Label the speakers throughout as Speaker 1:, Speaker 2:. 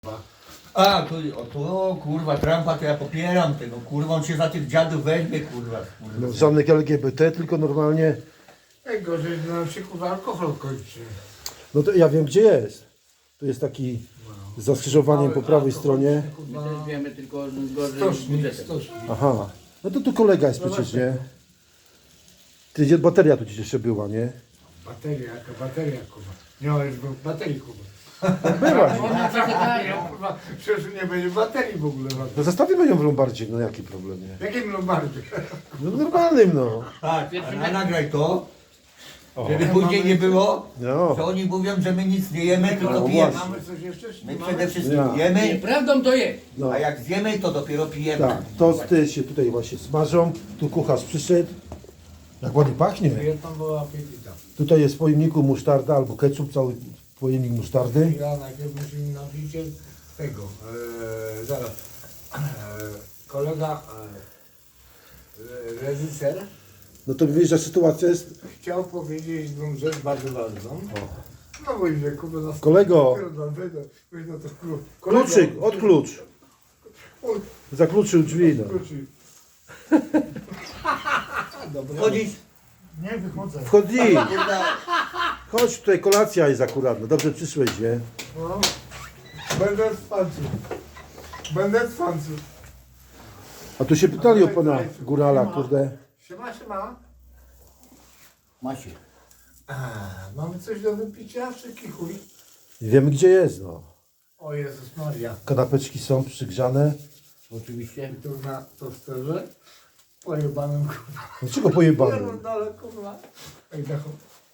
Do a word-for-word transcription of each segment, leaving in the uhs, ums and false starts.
Speaker 1: A, tu, o, tu, o, kurwa, Trumpa to ja popieram tego, kurwa, on się za tych dziadów weźmie, kurwa. kurwa.
Speaker 2: No, żadnych L G B T, tylko normalnie.
Speaker 3: Najgorzej, że nam się kurwa alkohol kończy.
Speaker 2: No to ja wiem gdzie jest. Tu jest taki z zaskrzyżowaniem po prawej stronie.
Speaker 4: My też wiemy, tylko gorzej z
Speaker 3: Stocznik,
Speaker 4: budżetem.
Speaker 3: stocznik.
Speaker 2: Aha. No to tu kolega jest przecież, nie? Ty, gdzie bateria tu gdzieś jeszcze była, nie?
Speaker 3: Bateria, jaka bateria kurwa. Nie ma już baterii kurwa.
Speaker 2: Była.
Speaker 3: Ona zagadnie, kurwa, przecież nie będzie baterii w ogóle.
Speaker 2: No zostawimy ją w Lombardzie, no jaki problem, nie?
Speaker 3: W jakim Lombardzie?
Speaker 2: No normalnym, no.
Speaker 1: Tak, a nagraj to,
Speaker 2: O.
Speaker 1: żeby później nie było,
Speaker 2: No.
Speaker 1: że oni mówią, że my nic nie jemy, tylko
Speaker 2: No
Speaker 1: pijemy.
Speaker 2: właśnie.
Speaker 3: Mamy coś jeszcze? czy
Speaker 1: My
Speaker 3: nie
Speaker 1: przede
Speaker 3: mamy?
Speaker 1: wszystkim
Speaker 2: Ja.
Speaker 1: jemy,
Speaker 4: Nieprawdą to jest.
Speaker 2: No.
Speaker 1: a jak zjemy, to dopiero pijemy.
Speaker 2: Tak, tosty się tutaj właśnie smażą. Tu kucharz przyszedł. Jak ładnie pachnie.
Speaker 3: Jedna była apetita.
Speaker 2: Tutaj jest w pojemniku musztarda albo ketchup, cały pojemnik musztardy.
Speaker 3: Ja najpierw musimy napić tego. E, zaraz. E, kolega e, reżyser
Speaker 2: No to wiesz, że sytuacja jest...
Speaker 3: chciał powiedzieć jedną rzecz bardzo ważną. No bo idzie kurwa na
Speaker 2: Kolego.
Speaker 3: Weź na to klucz.
Speaker 2: Kluczyk, odklucz. Zakluczył drzwi, no.
Speaker 3: Kluczyk.
Speaker 1: Chodzić,
Speaker 3: Nie wychodzę.
Speaker 2: Wchodzi.
Speaker 1: kurwa,
Speaker 2: Chodź, tutaj kolacja jest akurat. No dobrze przyszłeś, nie?
Speaker 3: No. Będę z fanców. Będę z fanców.
Speaker 2: A tu się pytali o pana górala, kurde.
Speaker 3: Siema, siema.
Speaker 4: Macie.
Speaker 3: A, mamy coś do wypicia, czy kichuj?
Speaker 2: Wiemy gdzie jest, no.
Speaker 3: O Jezus Maria.
Speaker 2: Kanapeczki są przygrzane.
Speaker 4: Oczywiście.
Speaker 3: Tu na tosterze. Pojebanym kurwa.
Speaker 2: Dlaczego pojebany?
Speaker 3: Pierdolę kurwa. Ej, dachu.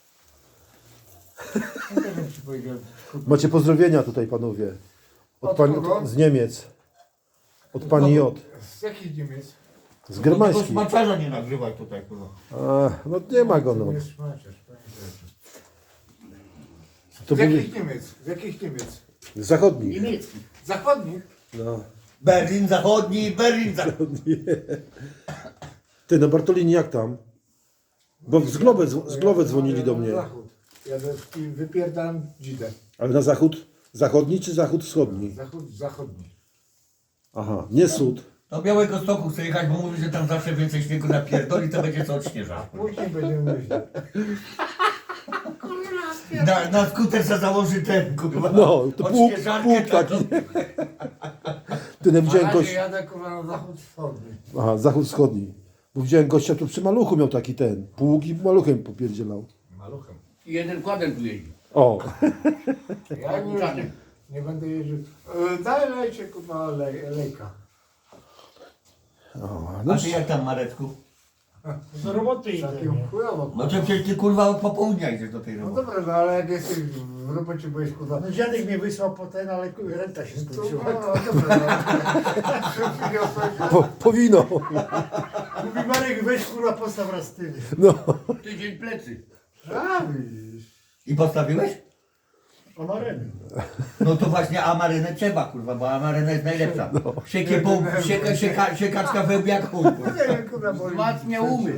Speaker 3: Nie wiem ci powiedziałem. kurwa.
Speaker 2: Macie pozdrowienia tutaj, panowie. Od
Speaker 3: Od
Speaker 2: pani,
Speaker 3: kogo?
Speaker 2: od, z Niemiec. Od pani J.
Speaker 3: Z jakich Niemiec?
Speaker 2: Z
Speaker 1: tego
Speaker 2: germańskich.
Speaker 1: smaczarza nie nagrywaj tutaj, kurwa.
Speaker 2: A, no nie ma go, no.
Speaker 3: To jest szmaciarz, pamiętajcie.
Speaker 2: To
Speaker 3: Z
Speaker 2: byli
Speaker 3: jakich Niemiec? Z jakich Niemiec?
Speaker 2: zachodni.
Speaker 4: Niemiecki.
Speaker 3: Zachodnich?
Speaker 2: No.
Speaker 1: Berlin zachodni, Berlin zachodni.
Speaker 2: Ty, no Bartolini, jak tam? Bo z Globe, z Globe dzwonili do mnie.
Speaker 3: Zachód. Ja do- i wypierdam dzidę.
Speaker 2: Ale na zachód zachodni czy zachód wschodni?
Speaker 3: Zachód zachodni.
Speaker 2: Aha, nie sód.
Speaker 1: Do Białego Stoku chcę jechać, bo mówi, że tam zawsze więcej śniegu napierdoli, to będzie co odśnieżać.
Speaker 3: Później będziemy myśleć.
Speaker 1: Na, na skuter se założy ten, kurwa.
Speaker 2: No, to pług,
Speaker 1: odśnieżarkę
Speaker 2: pług taki.
Speaker 1: taką.
Speaker 2: Ty, no
Speaker 3: Na
Speaker 2: widziałem
Speaker 3: razie
Speaker 2: gościa.
Speaker 3: jadę kurwa na zachód wschodni.
Speaker 2: Aha, zachód wschodni. Bo widziałem gościa tu przy maluchu miał taki ten. Pług i maluchem popierdzielał.
Speaker 3: Maluchem.
Speaker 4: I jeden kładem tu jeździ.
Speaker 2: O,
Speaker 3: Ja nie,
Speaker 4: Czarny.
Speaker 3: nie będę jeździł. E, Daj lejcie kurwa lej, lejka.
Speaker 2: o no,
Speaker 1: A ty jak tam, Mareczku?
Speaker 5: Do roboty idę.
Speaker 3: Takim chujowo.
Speaker 1: No to przecież ty, kurwa, od popołudnia idziesz do tej
Speaker 3: No
Speaker 1: roboty.
Speaker 3: dobra, no ale jak jesteś w robocie, byłeś kurwa.
Speaker 5: No dziadek mnie wysłał po ten, ale renta się
Speaker 3: To,
Speaker 5: skończyła.
Speaker 3: no dobra, no. Szybciej odpowiedział.
Speaker 2: po, powinno.
Speaker 5: Mówi Marek, weź kurwa postaw raz ty.
Speaker 2: No.
Speaker 4: Tydzień plecy.
Speaker 3: A widzisz.
Speaker 1: I postawiłeś?
Speaker 5: O Mareny.
Speaker 1: No to właśnie amarynę trzeba, kurwa, bo amaryna jest najlepsza. Siekie po, sieka, sieka, siekaczka wełbie jak chuj, kurwa.
Speaker 3: Nie wiem kurwa, bo...
Speaker 4: Wzmacnia umy.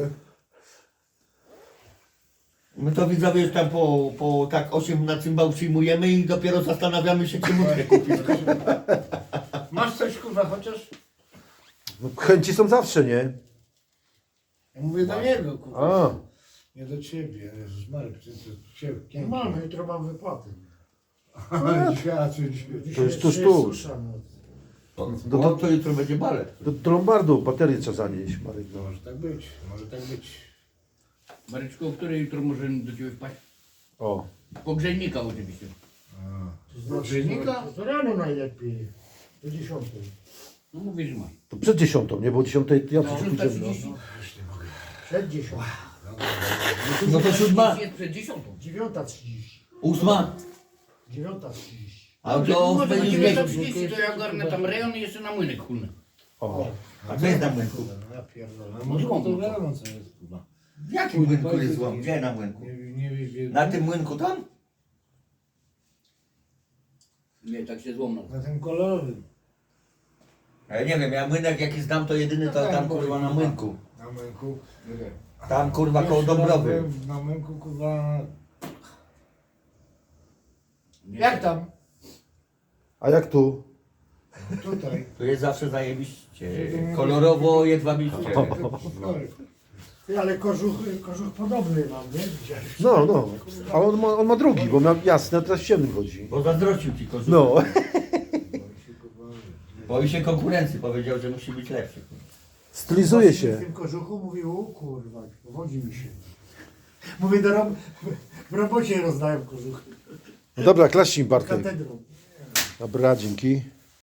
Speaker 1: My to widzowie już tam po, po tak osiem na cymbał przyjmujemy i dopiero zastanawiamy się, czy mutkę kupić.
Speaker 3: Masz coś kurwa chociaż?
Speaker 2: No, chęci są zawsze, nie?
Speaker 3: Ja mówię do niego kurwa.
Speaker 2: A,
Speaker 3: Nie do ciebie, Jezus Marek, ty to ciebie.
Speaker 5: No mamy, jutro mam wypłaty.
Speaker 3: Świadczy, świadczy.
Speaker 2: To jest tuż,
Speaker 5: Dzisiaj
Speaker 2: tuż.
Speaker 5: susza, no.
Speaker 1: To, to, to jutro będzie balet.
Speaker 2: do, do Lombardu baterię trzeba zanieść, Marek. No.
Speaker 3: Może tak być, może tak być.
Speaker 4: Mareczku, o której jutro możemy do ciebie wpaść?
Speaker 2: O.
Speaker 4: Pogrzejnika oczywiście.
Speaker 5: To znaczy,
Speaker 3: Dziennika?
Speaker 5: no, to rano najlepiej. Do dziesiątej.
Speaker 4: No mówisz, że masz.
Speaker 2: To przed dziesiątą, nie? Bo o dziesiątej ja
Speaker 4: No,
Speaker 2: przecież
Speaker 4: szósta
Speaker 2: pójdziemy. No.
Speaker 4: trzydzieści.
Speaker 5: Przed dziesiątą.
Speaker 1: No to siódma,
Speaker 4: Jest przed dziesiątą.
Speaker 5: Dziewiąta trzydzieści.
Speaker 1: ósma,
Speaker 5: Dziewiąta trzydzieści.
Speaker 1: a
Speaker 4: Dobrze,
Speaker 1: to
Speaker 4: może do
Speaker 1: będzie
Speaker 4: dziewiąta
Speaker 1: wieczór.
Speaker 4: trzydzieści to ja ogarnę tam rejon i jeszcze na młynek kulny.
Speaker 2: O.
Speaker 1: A co jest na młynku?
Speaker 3: Ja pierdolę.
Speaker 4: No
Speaker 3: Może
Speaker 4: złom,
Speaker 3: to
Speaker 4: no to.
Speaker 3: wiadomo co jest kurwa.
Speaker 1: W jakim młynku jest złom? Gdzie na młynku?
Speaker 3: Nie, nie wiem,
Speaker 1: Na tym młynku tam?
Speaker 4: Nie, tak się złomno.
Speaker 3: Na tym kolorowym.
Speaker 1: Ja nie wiem, ja młynek jaki znam to jedyny to tam kurwa na młynku.
Speaker 3: Na męku.
Speaker 1: Tam kurwa koło Dąbrowy.
Speaker 3: Na męku kurwa.
Speaker 4: Nie,
Speaker 3: Jak tam?
Speaker 2: A jak tu?
Speaker 5: Tutaj.
Speaker 1: To jest zawsze zajebiście. Kolorowo, jedwabiście.
Speaker 5: Ty, ale kożuch, kożuch podobny mam, nie? Widziałeś?
Speaker 2: No, no. A on ma, on ma drugi, bo miał jasny, a teraz ciemny chodzi.
Speaker 1: Bo zazdrościł ci kożuch.
Speaker 2: No.
Speaker 1: Boi się konkurencji, powiedział, że musi być lepszy.
Speaker 2: Stylizuje
Speaker 5: W
Speaker 2: się.
Speaker 5: tym kożuchu mówił, o kurwa, wodzi mi się. Mówię, do rob... w robocie rozdają kożuchy.
Speaker 2: No dobra, klaśnij Bartek.
Speaker 5: Katedrą.
Speaker 2: Dobra, dzięki.